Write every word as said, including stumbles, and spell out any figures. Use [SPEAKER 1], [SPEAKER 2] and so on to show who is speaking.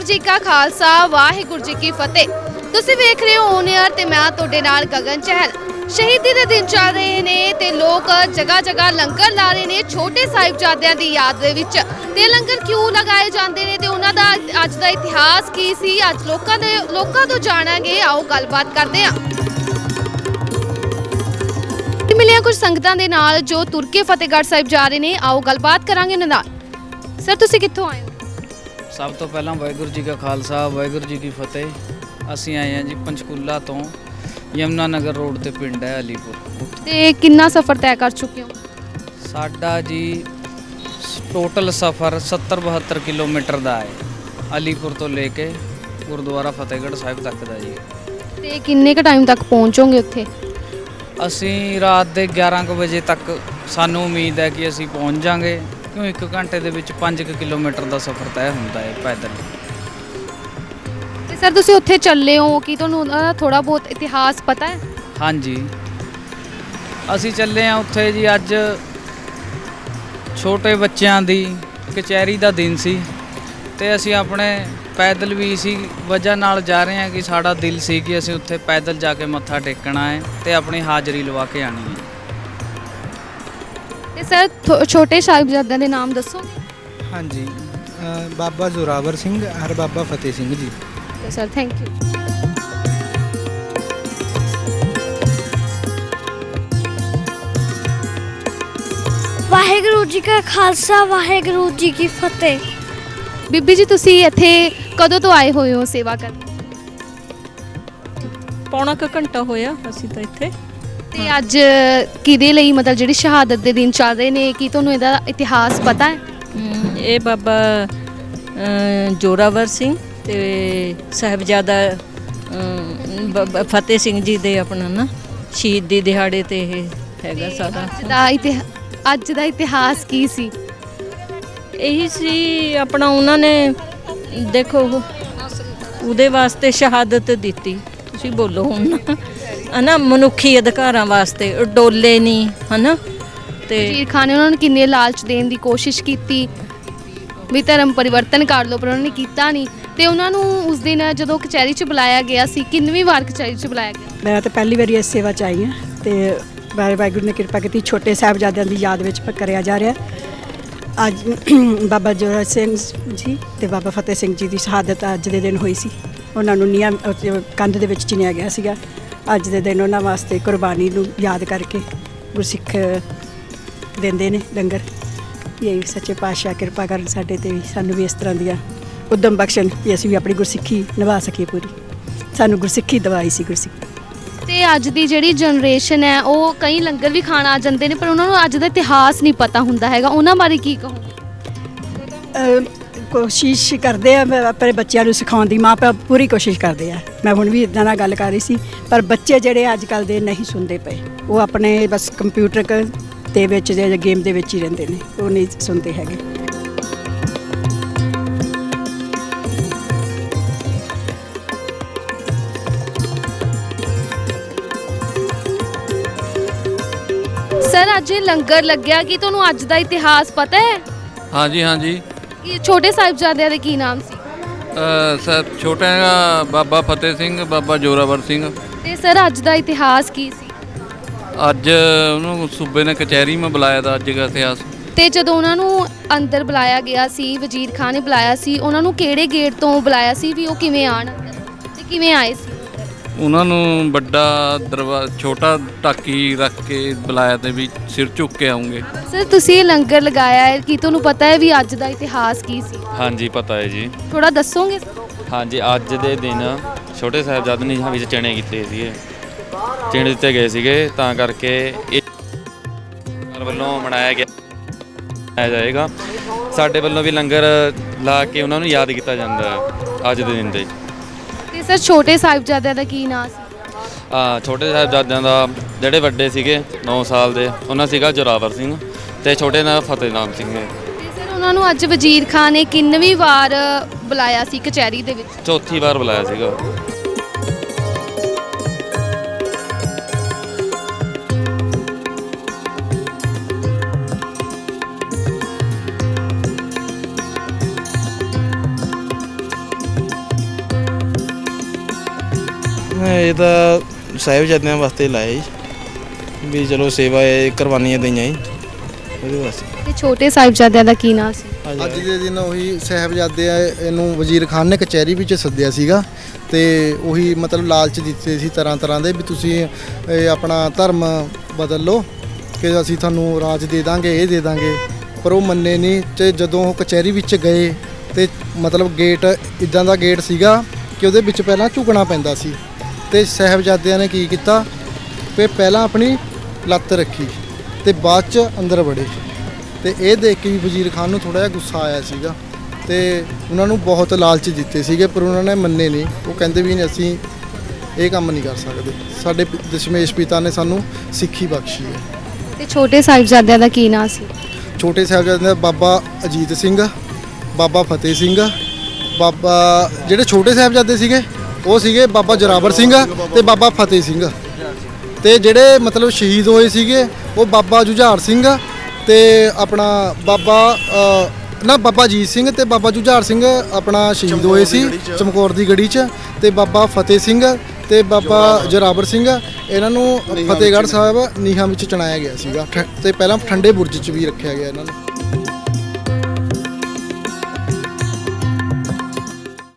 [SPEAKER 1] जी का खालसा वाहिगुरू जी की फतेह। तुसीं वेख रहे हो ऑन एयर ते मैं तुहाडे नाल गगन चहल। शहीदी दे दिन चल रहे ने ते लोग जगह जगह लंगर ला रहे ने छोटे साहिबजादियां दी याद दे विच। ते लंगर क्यों लगाए जांदे ने ते उन्हां दा अज दा इतिहास की सी, अज लोकां दे लोकां तों जाणांगे। आओ गलबात करदे हां। मिलिया कुछ संगतां दे नाल जो तुर के फतेहगढ़ साहिब जा रहे ने। आओ गलबात करांगे उन्हां नाल। सर तुसीं कित्थों आए हो?
[SPEAKER 2] सब तो पहला वाहिगुरू जी का खालसा वाहिगुरू जी की फतेह। असीं आए हैं जी पंचकूला तो यमुना नगर रोड ते पिंड है अलीपुर।
[SPEAKER 1] ते कितना सफ़र तय कर चुके हो?
[SPEAKER 2] साडा जी टोटल सफ़र सत्तर बहत्तर किलोमीटर का है अलीपुर तो लेके गुरुद्वारा फतेहगढ़ साहिब तक का जी।
[SPEAKER 1] ते किन्ने क टाइम तक पहुँचोगे उत्थे? असीं
[SPEAKER 2] रात के ग्यारह क बजे तक सानू उम्मीद है कि असीं पहुँच जाएंगे, क्यों एक घंटे के विच पाँच किलोमीटर का सफ़र तय होंदा है पैदल।
[SPEAKER 1] ते सर तुसीं उत्थे चले हो कि तुहानूं उहदा थोड़ा बहुत इतिहास पता है?
[SPEAKER 2] हाँ जी, असीं चले हैं उत्थे जी। अज छोटे बच्चों की कचहरी का दिन सी ते असीं अपने पैदल भी इसी वजह नाल जा रहे हैं कि साड़ा दिल सी कि असीं उत्थे पैदल जाके मत्था टेकना है ते अपनी हाज़री लवा के आनी है।
[SPEAKER 1] ते सर छोटे साहिबजादे दे नाम दसोगे?
[SPEAKER 3] हाँ जी, बाबा जोरावर सिंह और बाबा फतेह सिंह जी।
[SPEAKER 1] तो sir thank you.
[SPEAKER 4] Waheguru ji का खालसा वाहिगुरू जी की फतेह।
[SPEAKER 1] बीबी जी तुसी इत्थे कदों तो आए हुए हो सेवा कर?
[SPEAKER 5] पौना क घंटा होया असीं तां इत्थे।
[SPEAKER 1] ते अज किहदे लई मतलब जिहड़ी शहादत दे दिन चल रहे ने कि तुहानूं इहदा इतिहास पता है?
[SPEAKER 5] ये बाबा जोरावर सिंह ते साहिबजादा फतेह सिंह जी दे अपना ना शहीदी दिहाड़े ते हैगा सारा।
[SPEAKER 1] अज दा इतिहास अज दा इतिहास की सी?
[SPEAKER 5] यही सी अपना उन्होंने देखो उहदे वास्ते शहादत दिती। तुसीं बोलो हुण है ना, मनुखी अधिकारां वास्ते डोले नहीं है ना। ते
[SPEAKER 1] वजीर खान ने उन्होंने किन्ने लालच देने की कोशिश की भी धर्म परिवर्तन कर लो, पर उन्होंने किया नहीं। तो उन्होंने उस दिन जो कचहरी च बुलाया गया सी, किन्नवीं वार कचहरी च बुलाया गया?
[SPEAKER 6] मैं तो पहली बारी इस सेवा च आई हाँ। तो वाहिगुरू ने कृपा की छोटे साहिबजादियां की याद में कराया जा रहा। अज बाबा जोरा सिंह जी ते बाबा फतेह सिंह जी की शहादत अज के दिन हुई सी। उन्होंने नियम कंध दे विच चिनिया गया सीगा। अज के दिन उन्होंने वास्ते कुर्बानी नूं याद करके गुरसिख देंदे ने लंगर। यही सच्चे पातशाह कृपा करन साडे ते भी, सानू भी इस तरह दियां उद्यम बख्शण कि असीं भी अपनी गुरसिੱਖੀ निभा सकीए पूरी। सानू गुरसिੱਖੀ दवाई सी गुरसिੱਖੀ।
[SPEAKER 1] ते अज दी जिहड़ी जनरेशन है वो कई लंगर भी खाण आ जांदे ने, पर उन्हां नूं अज दा इतिहास नहीं पता हुंदा हैगा। उन्हां बारे की कहो?
[SPEAKER 6] कोशिश करते हैं अपने बच्चों को सिखाने की, माँ प्यो पूरी कोशिश करते हैं। मैं हुण भी इदां नाल गल कर रही सी, पर बच्चे जिहड़े अजकल दे नहीं सुनते पे, वो अपने बस कंप्यूटर दे विच जे गेम दे विच ही रहिंदे ने, वो नहीं सुनते हैगे।
[SPEAKER 1] सर अज लंगर लग्या कि तुहानूं अज दा इतिहास पता है?
[SPEAKER 7] हाँ जी हाँ जी।
[SPEAKER 1] कि छोटे साहिबजादियां दे की नाम सी?
[SPEAKER 7] सर छोटे बाबा फतेह सिंह बाबा जोरावर सिंह।
[SPEAKER 1] ते सर अज दा इतिहास की सी?
[SPEAKER 7] अज उन्होंने सूबे ने कचहरी में बुलाया था अज का इतिहास।
[SPEAKER 1] ते जदों उन्हां नूं अंदर बुलाया गया सी, वजीर खान ने बुलाया सी, उन्हां नूं किहड़े गेट तो बुलाया सी भी वो किवें आण ते किवें आए सी?
[SPEAKER 7] उन्होंने बड़ा दरवा छोटा टाकी रख के बुलाया ते भी सिर झुक के आऊँगे।
[SPEAKER 1] सर तुसीं लंगर लगाया है कि तुहानूं पता है भी अज दा इतिहास की सी?
[SPEAKER 8] हाँ जी पता है जी।
[SPEAKER 1] थोड़ा दसोगे?
[SPEAKER 8] हाँ जी, अज के दिन छोटे साहिबजादे ने विच चने कीते सीगे, चने दिते गए सीगे, तां करके वल्लों मनाया गया मनाया जाएगा। साडे वल्लों भी लंगर ला के उन्होंने याद किया जाता है अज के दिन दे।
[SPEAKER 1] ते सर छोटे साहिबजादियां दा की नाम सी?
[SPEAKER 8] हाँ छोटे साहिबजादियां दा जिहड़े वड्डे सीगे नौ साल दे उन्हां सीगा जोरावर सिंह ते छोटे दा फतेह नाम सिंह।
[SPEAKER 1] ते सर उन्हां नूं अज वजीर खान ने किन्नवीं वार बुलाया सी कचहरी दे विच?
[SPEAKER 8] चौथी बार बुलाया सीगा।
[SPEAKER 3] ਇਹ ਤਾਂ ਸਾਹਿਬਜ਼ਾਦਿਆਂ ਵਾਸਤੇ ਲਾਇਆ ਜੀ ਵੀ ਚਲੋ ਸੇਵਾ ਇਹ ਕੁਰਬਾਨੀਆਂ ਦਈਆਂ ਜੀ ਉਹਦੇ ਵਾਸਤੇ।
[SPEAKER 1] ਤੇ ਛੋਟੇ ਸਾਹਿਬਜ਼ਾਦਿਆਂ ਦਾ ਕੀ ਨਾਂ ਸੀ?
[SPEAKER 9] ਅੱਜ ਦੇ ਦਿਨ ਉਹੀ ਸਾਹਿਬਜ਼ਾਦੇ ਆ, ਇਹਨੂੰ ਵਜ਼ੀਰ ਖਾਨ ਨੇ ਕਚਹਿਰੀ ਵਿੱਚ ਸੱਦਿਆ ਸੀਗਾ ਤੇ ਉਹੀ ਮਤਲਬ ਲਾਲਚ ਦਿੱਤੇ ਸੀ ਤਰ੍ਹਾਂ ਤਰ੍ਹਾਂ ਦੇ ਵੀ ਤੁਸੀਂ ਇਹ ਆਪਣਾ ਧਰਮ ਬਦਲ ਲਓ ਕਿ ਅਸੀਂ ਤੁਹਾਨੂੰ ਰਾਜ ਦੇ ਦਾਂਗੇ, ਇਹ ਦੇ ਦਾਂਗੇ, ਪਰ ਉਹ ਮੰਨੇ ਨਹੀਂ। ਤੇ ਜਦੋਂ ਉਹ ਕਚਹਿਰੀ ਵਿੱਚ ਗਏ ਤੇ ਮਤਲਬ ਗੇਟ ਇਦਾਂ ਦਾ ਗੇਟ ਸੀਗਾ ਕਿ ਉਹਦੇ ਵਿੱਚ ਪਹਿਲਾਂ ਝੁਕਣਾ ਪੈਂਦਾ ਸੀ ਤੇ ਸਾਹਿਬਜ਼ਾਦਿਆਂ ਨੇ ਕੀ ਕੀਤਾ ਕਿ ਪਹਿਲਾਂ ਆਪਣੀ ਲੱਤ ਰੱਖੀ ਤੇ ਬਾਅਦ ਚ ਅੰਦਰ ਵੜੇ ਤੇ ਇਹ ਦੇਖ ਕੇ ਵੀ ਵਜ਼ੀਰ ਖਾਨ ਨੂੰ ਥੋੜਾ ਜਿਹਾ ਗੁੱਸਾ ਆਇਆ ਸੀਗਾ ਤੇ ਉਹਨਾਂ ਨੂੰ ਬਹੁਤ ਲਾਲਚ ਦਿੱਤੇ ਸੀਗੇ ਪਰ ਉਹਨਾਂ ਨੇ ਮੰਨੇ ਨਹੀਂ। ਉਹ ਕਹਿੰਦੇ ਵੀ ਨਹੀਂ ਅਸੀਂ ਇਹ ਕੰਮ ਨਹੀਂ ਕਰ ਸਕਦੇ, ਸਾਡੇ ਪ- ਦਸ਼ਮੇਸ਼ ਪਿਤਾ ਨੇ ਸਾਨੂੰ ਸਿੱਖੀ ਬਖਸ਼ੀ ਹੈ।
[SPEAKER 1] ਤੇ ਛੋਟੇ ਸਾਹਿਬਜ਼ਾਦਿਆਂ ਦਾ ਕੀ ਨਾਂ ਸੀ?
[SPEAKER 9] ਛੋਟੇ ਸਾਹਿਬਜ਼ਾਦੇ ਦਾ ਬਾਬਾ ਅਜੀਤ ਸਿੰਘ, ਬਾਬਾ ਫਤਿਹ ਸਿੰਘ, ਬਾਬਾ ਜਿਹੜੇ ਛੋਟੇ ਸਾਹਿਬਜ਼ਾਦੇ ਸੀਗੇ ਉਹ ਸੀਗੇ ਬਾਬਾ ਜੋਰਾਵਰ ਸਿੰਘ ਤੇ ਬਾਬਾ ਫਤਿਹ ਸਿੰਘ, ਤੇ ਜਿਹੜੇ ਮਤਲਬ ਸ਼ਹੀਦ ਹੋਏ ਸੀਗੇ ਉਹ ਬਾਬਾ ਜੁਝਾਰ ਸਿੰਘ ਤੇ ਆਪਣਾ ਬਾਬਾ ਅ, ਨਾ ਬਾਬਾ ਅਜੀਤ ਸਿੰਘ ਤੇ ਬਾਬਾ ਜੁਝਾਰ ਸਿੰਘ ਆਪਣਾ ਸ਼ਹੀਦ ਹੋਏ ਸੀ ਚਮਕੌਰ ਦੀ ਗੜੀ 'ਚ, ਤੇ ਬਾਬਾ ਫਤਿਹ ਸਿੰਘ ਤੇ ਬਾਬਾ ਜੋਰਾਵਰ ਸਿੰਘ ਇਹਨਾਂ ਨੂੰ ਫਤਿਹਗੜ੍ਹ ਸਾਹਿਬ ਨੀਹਾਂ ਵਿੱਚ ਚਣਾਇਆ ਗਿਆ ਸੀਗਾ ਠ- ਤੇ ਪਹਿਲਾਂ ਠੰਡੇ ਬੁਰਜ 'ਚ ਵੀ ਰੱਖਿਆ ਗਿਆ ਇਹਨਾਂ ਨੂੰ।